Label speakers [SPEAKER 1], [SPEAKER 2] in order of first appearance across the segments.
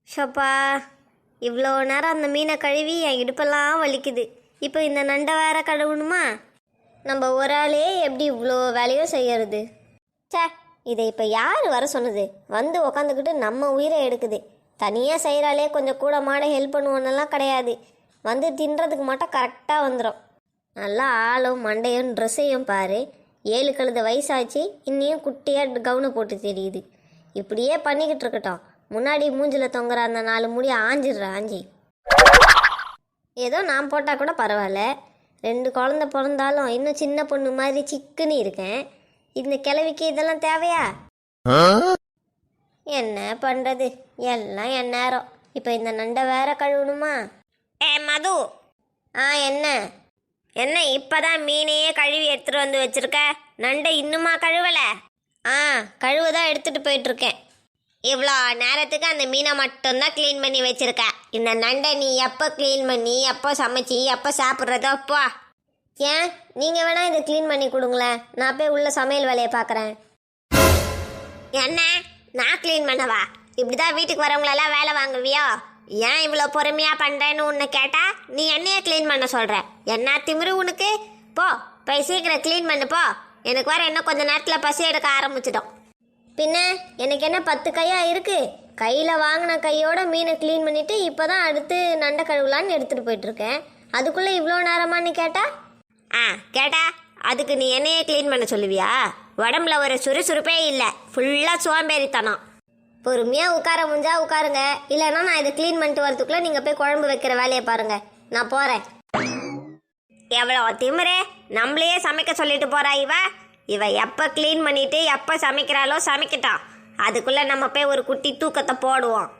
[SPEAKER 1] ஷப்பா, இவ்வளோ நேரம் அந்த மீனை கழுவி என் இடுப்பெல்லாம் வலிக்குது. இப்போ இந்த நண்டை வேற கழுவணுமா? நம்ம ஒரு ஆளே எப்படி இவ்வளோ வேலையும் செய்யறது? சே, இதை இப்போ யார் வர சொன்னது? வந்து உக்காந்துக்கிட்டு நம்ம உயிரை எடுக்குது. தனியாக செய்கிறாலே கொஞ்சம் கூட மாட ஹெல்ப் பண்ணுவோன்னெல்லாம் கிடையாது. வந்து தின்றதுக்கு மட்டும் கரெக்டாக வந்துடும். நல்லா ஆளும் மண்டையும் ட்ரெஸ்ஸையும் பாரு. 7 கழுத வயசாச்சு, இன்னையும் குட்டியாக கவுனு போட்டு தெரியுது. இப்படியே பண்ணிக்கிட்டு இருக்கட்டும். முன்னாடி மூஞ்சில் தொங்குற அந்த 4 முடி ஆஞ்சி. ஏதோ நான் போட்டால் கூட பரவாயில்ல. 2 குழந்த பிறந்தாலும் இன்னும் சின்ன பொண்ணு மாதிரி சிக்குன்னு இருக்கேன். இந்த கிழவிக்கு இதெல்லாம் தேவையா? என்ன பண்ணுறது, எல்லாம் என் நேரம். இப்போ இந்த நண்டை வேற கழுவணுமா? மது. என்ன என்ன இப்போதான் மீனையே கழுவி எடுத்துகிட்டு வந்து வச்சுருக்க, நண்டை இன்னுமா கழுவலை? கழுவுதான் எடுத்துகிட்டு போயிட்டுருக்கேன். இவ்வளோ நேரத்துக்கு அந்த மீனை மட்டும்தான் க்ளீன் பண்ணி வச்சுருக்க. இந்த நண்டை நீ எப்போ க்ளீன் பண்ணி எப்போ சமைச்சி எப்போ சாப்பிட்றதோ அப்போ. ஏன் நீங்கள் வேணால் இதை க்ளீன் பண்ணி கொடுங்களேன், நான் போய் உள்ள சமையல் வேலையை பார்க்குறேன். என்ன நான் க்ளீன் பண்ணவா? இப்படி தான் வீட்டுக்கு வரவங்களெல்லாம் வேலை வாங்குவியோ? ஏன் இவ்வளோ பொறுமையாக பண்ணுறேன்னு உன்னை கேட்டால் நீ என்னையே க்ளீன் பண்ண சொல்கிற. என்ன திமிரு உனக்கு? போய் சீக்கிரம் க்ளீன் பண்ணு போ. எனக்கு வர இன்னும் கொஞ்சம் நேரத்தில் பசி எடுக்க ஆரம்பிச்சிட்டோம். பின்ன எனக்கு என்ன 10 கையா இருக்குது? கையில் வாங்கின கையோட மீனை க்ளீன் பண்ணிவிட்டு இப்போ தான் அடுத்து நண்டை கழுவலான்னு எடுத்துகிட்டு போயிட்டுருக்கேன். அதுக்குள்ளே இவ்வளோ நேரமானு கேட்டா அதுக்கு நீ என்னையே க்ளீன் பண்ண சொல்லுவியா? உடம்புல ஒரு சுறுசுறுப்பே இல்லை, ஃபுல்லாக சோம்பேறித்தனம். பொறுமையாக உட்கார முடிஞ்சா உட்காருங்க, இல்லைன்னா நான் இதை க்ளீன் பண்ணிட்டு வரதுக்குள்ளே நீங்கள் போய் குழம்பு வைக்கிற வேலையை பாருங்கள். நான் போகிறேன். எவ்வளோ திமிரே, நம்மளையே சமைக்க சொல்லிட்டு போகிறா இவ எப்போ க்ளீன் பண்ணிட்டு எப்போ சமைக்கிறாளோ சமைக்கட்டும். அதுக்குள்ளே நம்ம போய் ஒரு குட்டி தூக்கத்தை போடுவோம்.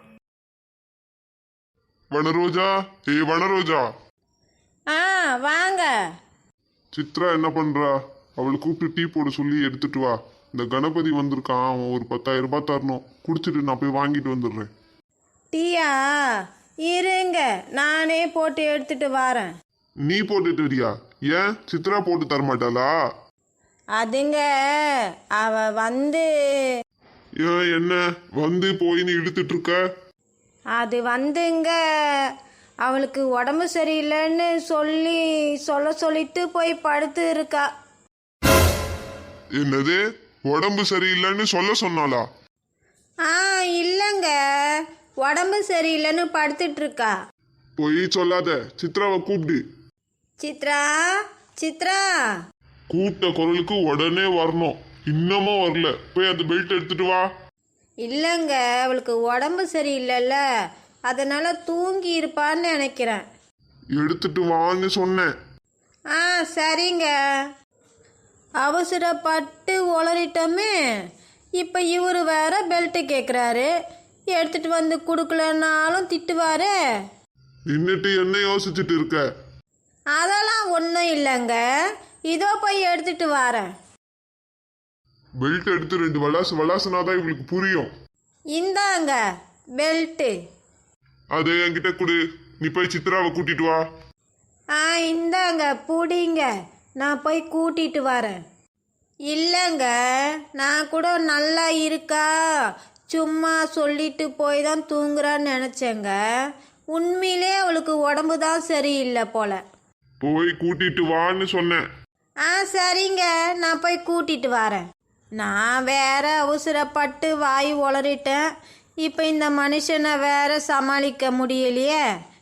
[SPEAKER 2] வனரோஜா, வனரோஜா.
[SPEAKER 3] வாங்க.
[SPEAKER 2] சித்ரா என்ன பண்றா? அவளை கூப்பிட்டு டீ போட சொல்லி எடுத்துட்டு வா. இந்த கணபதி வந்திருக்கான், அவன் ஒரு 10,000 ரூபாய் தரணும். குடிச்சிட்டு நான் போய் வாங்கிட்டு வந்துடுறேன்.
[SPEAKER 3] டீயா? இருங்க, நானே போட்டு எடுத்துட்டு வரேன்.
[SPEAKER 2] நீ போட்டுட்டு வரியா? ஏன் சித்ரா போட்டு தரமாட்டாளா?
[SPEAKER 3] அதுங்க அவ வந்து
[SPEAKER 2] ஏன் என்ன வந்து போயின்னு இழுத்துட்டு இருக்க?
[SPEAKER 3] அது வந்துங்க அவளுக்கு உடம்பு சரியில்லைன்னு சொல்லிட்டு போய் படுத்து இருக்கா.
[SPEAKER 2] என்னது, உடம்பு சரியில்லைன்னு சொல்ல சொன்னாளா?
[SPEAKER 3] இல்லைங்க, உடம்பு சரியில்லைன்னு படுத்துட்டு இருக்கா.
[SPEAKER 2] போய் சொல்லாத, சித்ராவை கூப்பிடு.
[SPEAKER 3] சித்ரா, சித்ரா.
[SPEAKER 2] கூப்பிட்ட குரலுக்கு உடனே வரணும். இன்னமும் வரல, போய் அந்த பெல்ட் எடுத்துட்டு வா.
[SPEAKER 3] இல்லைங்க, அவளுக்கு உடம்பு சரியில்லைல்ல, அதனால தூங்கி இருப்பான்னு நினைக்கிறேன்.
[SPEAKER 2] எடுத்துட்டு வான்னு சொன்னேன்.
[SPEAKER 3] சரிங்க. அவசரப்பட்டு உளறிட்டோமே. இப்போ இவர் வேற பெல்ட்டு கேட்குறாரு. எடுத்துட்டு வந்து கொடுக்கலன்னாலும் திட்டுவாரு.
[SPEAKER 2] நின்னுட்டு என்ன யோசிச்சுட்டு இருக்க?
[SPEAKER 3] அதெல்லாம் ஒன்றும் இல்லைங்க, இதோ போய் எடுத்துட்டு வரேன்.
[SPEAKER 2] பெல்ட் எடுத்து 2 வளாசுனாதான் இவங்களுக்கு புரியும்.
[SPEAKER 3] இந்தாங்க பெல்ட்டு.
[SPEAKER 2] அது என்கிட்ட கொடு. நீ போய் சித்ராவை கூட்டிட்டு வா.
[SPEAKER 3] இந்தாங்க புடிங்க, நான் போய் கூட்டிட்டு வரேன். இல்லைங்க, நான் கூட நல்லா இருக்கா சும்மா சொல்லிட்டு போய் தான் தூங்குறான்னு நினச்சேங்க. உண்மையிலே அவளுக்கு உடம்பு தான் சரியில்லை போல.
[SPEAKER 2] போய் கூட்டிட்டு வான்னு சொன்னேன்.
[SPEAKER 3] சரிங்க, நான் போய் கூட்டிட்டு வரேன். நான் வேற அவசரப்பட்டு வாய் உளறிட்டேன். இப்போ இந்த மனுஷனை வேற சமாளிக்க முடியலையே.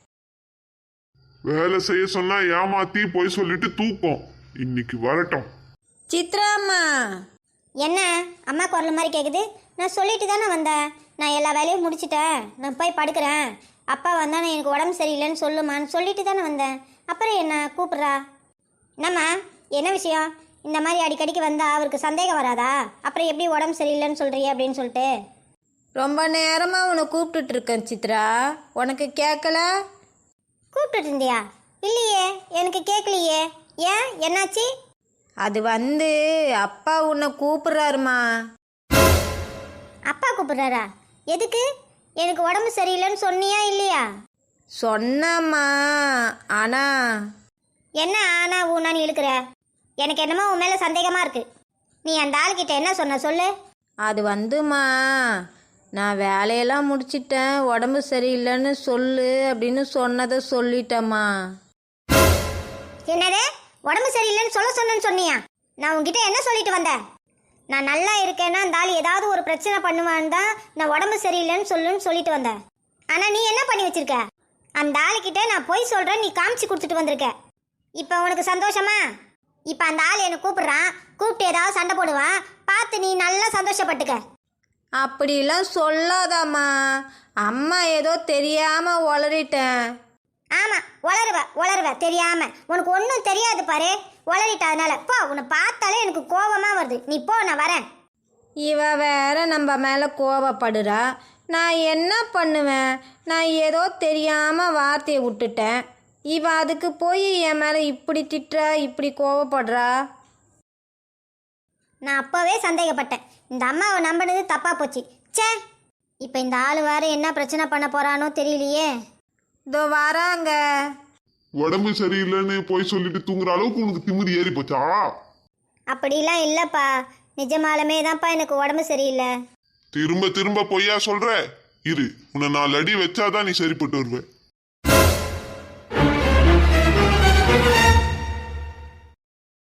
[SPEAKER 2] வேலை செய்ய சொன்னா ஏமாத்தி போய் சொல்லிட்டு தூக்கம். இன்னைக்கு வரட்டும்.
[SPEAKER 3] சித்ராம்மா.
[SPEAKER 1] என்ன அம்மா குரல் மாதிரி கேட்குது? நான் சொல்லிட்டு தானே வந்தேன். நான் எல்லா வேலையும் முடிச்சிட்டேன், நான் போய் படுக்கிறேன். அப்பா வந்தானே எனக்கு உடம்பு சரியில்லைன்னு சொல்லுமான்னு சொல்லிட்டு தானே வந்தேன். அப்புறம் என்ன கூப்பிட்றா? என்னம்மா, என்ன விஷயம்? இந்த மாதிரி அடிக்கடிக்கு வந்தால் அவருக்கு சந்தேகம் வராதா? அப்புறம் எப்படி உடம்பு சரியில்லைன்னு சொல்கிறிய அப்படின்னு சொல்லிட்டு?
[SPEAKER 3] ரொம்ப நேரமாக உன்னை கூப்பிட்டுட்டு இருக்கேன் சித்ரா, உனக்கு கேட்கல?
[SPEAKER 1] கூப்பிட்டுட்டு இருந்தியா? இல்லையே, எனக்கு கேட்கலையே. ஏன், என்னாச்சு?
[SPEAKER 3] அது வந்து அப்பா உன்னை கூப்பிடுறாருமா.
[SPEAKER 1] அப்பா கூப்பிடுறாரா? எதுக்கு? எனக்கு உடம்பு சரியில்லைன்னு சொன்னியா இல்லையா?
[SPEAKER 3] சொன்னம்மா. ஆனா
[SPEAKER 1] என்ன ஆனா ஊனான்னு இழுக்கிற? எனக்கு என்னமோ உன் மேலே சந்தேகமாக இருக்கு. நீ அந்த ஆள்கிட்ட என்ன சொன்ன சொல்லு.
[SPEAKER 3] அது வந்துமா, நான் வேலையெல்லாம் முடிச்சிட்டேன், உடம்பு சரியில்லைன்னு சொல்லு அப்படின்னு சொன்னதை சொல்லிட்டேம்மா.
[SPEAKER 1] என்னது உடம்பு சரியில்லைன்னு சொன்னேன்னு சொன்னியா? நான் உன்கிட்ட என்ன சொல்லிட்டு வந்தேன்? நான் நல்லா இருக்கேன்னா அந்த ஆள் ஏதாவது ஒரு பிரச்சனை பண்ணுவான்னு தான் நான் உடம்பு சரியில்லைன்னு சொல்லிட்டு வந்தேன். ஆனால் நீ என்ன பண்ணி வச்சிருக்க? அந்த ஆளுக்கிட்ட நான் போய் சொல்கிறேன், நீ காமிச்சு கொடுத்துட்டு வந்திருக்க. இப்போ உனக்கு சந்தோஷமா? இப்போ அந்த ஆள் என்னை கூப்பிடுறான், கூப்பிட்டு ஏதாவது சண்டை போடுவான், பார்த்து நீ நல்லா சந்தோஷப்பட்டுக்க.
[SPEAKER 3] அப்படிலாம் சொல்லாதாம்மா. அம்மா ஏதோ தெரியாமல் உளறிட்டேன்.
[SPEAKER 1] ஆமாம், உளருவ தெரியாமல். உனக்கு ஒன்றும் தெரியாது பாரு, உளறிட்டதுனால. போ, உன்னை பார்த்தாலே எனக்கு கோபமாக வருது. நீ போ, நான் வரேன்.
[SPEAKER 3] இவ வேற நம்ம மேலே கோபப்படுறா. நான் என்ன பண்ணுவேன்? நான் ஏதோ தெரியாமல் வார்த்தையை விட்டுட்டேன். இவ அதுக்கு போய் என் மேலே இப்படி திட்டுறா, இப்படி கோபப்படுறா.
[SPEAKER 1] நான் அப்போவே சந்தேகப்பட்டேன். இந்த அம்மாவை நம்பினது தப்பாக போச்சு. ச்சே, இப்போ இந்த ஆள் வேற என்ன பிரச்சனை பண்ண போகிறானோ தெரியலையே.
[SPEAKER 3] இதோ வராங்க.
[SPEAKER 2] உடம்பு சரியில்லைன்னு போய் சொல்லிட்டு தூங்குற அளவுக்கு உனக்கு திமிரு ஏறி போச்சா?
[SPEAKER 1] அப்படிலாம் இல்லைப்பா, நிஜமாலுமே தான்ப்பா எனக்கு உடம்பு சரியில்லை.
[SPEAKER 2] திரும்ப திரும்ப பொய்யா சொல்ற? இரு, உன்னை 4 அடி வச்சாதான் நீ சரிப்பட்டு வருவ.